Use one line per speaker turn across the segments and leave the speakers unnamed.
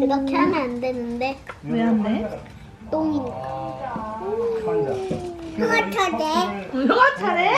그렇게 하면 안 되는데.
왜 안 돼?
똥이니까.
그거
차례.
너가 차례?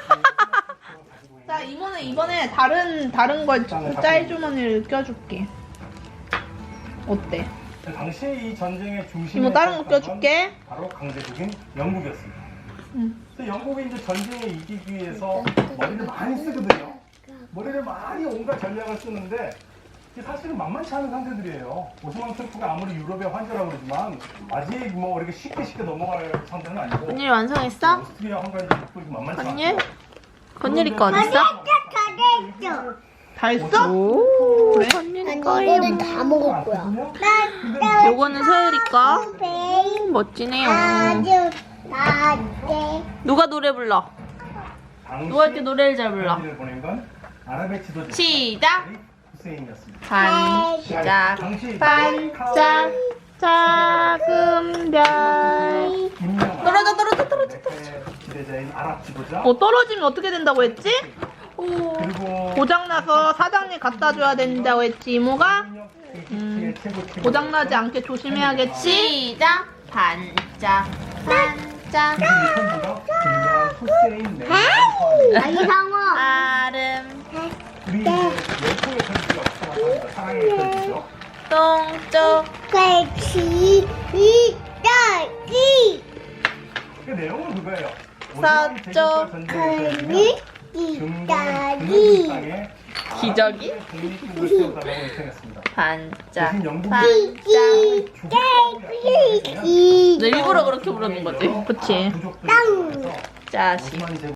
자, 이모는 이번에 다른 걸 짤주머니를 껴줄게. 어때?
당시 이 전쟁의 중심에
이모 다른 거
있었던 건
껴줄게.
바로 강대국인 영국이었습니다.
응.
그래서 영국이 이제 전쟁에 이기기 위해서 머리를 많이 쓰거든요. 머리를 많이 온갖 전략을 쓰는데 이게 사실은 만만치 않은 상대들이에요. 오스만 투르크가 아무리 유럽의 환자라고 그러지만 아직 뭐 이렇게 쉽게 넘어갈 상대는 아니고
건일 완성했어?
오스트리아 헝가리도 있고 이렇게 만만치
건일?
않고
건일이 거 어딨어?
잘했죠.
다 했어?
오.
그래?
아니 이거는 다 먹을 거야.
요거는 서율이 거. 멋지네요. 누가 노래 불러? 누가 이렇게 노래를 잘 불러?
를 보낸 건 아랍의 지도자
시작!
후세인이었습니다.
반짝
당시
반짝 작은 별. 떨어져.
지도자인 아랍 지도자
떨어지면 어떻게 된다고 했지?
그리고
고장나서 사장님 갖다 줘야 된다고 했지 이모가?
이집트의 최고
고장나지 않게 조심해야겠지? 시작! 반짝 반짝
선수가 김양 후세인 네.
이상호.
아름
우리 이제 열풍의 선수가 나타납니다. 사랑의 선수죠.
똥쪽
같이 이따기
그 내용은 그거예요.
서쪽
이따기
중동의
기저귀?
독립국을 세우다가 은퇴했습니다.
반짝
대신 영국이
반짝
이
너 일부러 그렇게 부르는 거지? 그치?
부족들에 대해서
자식
오스만 제국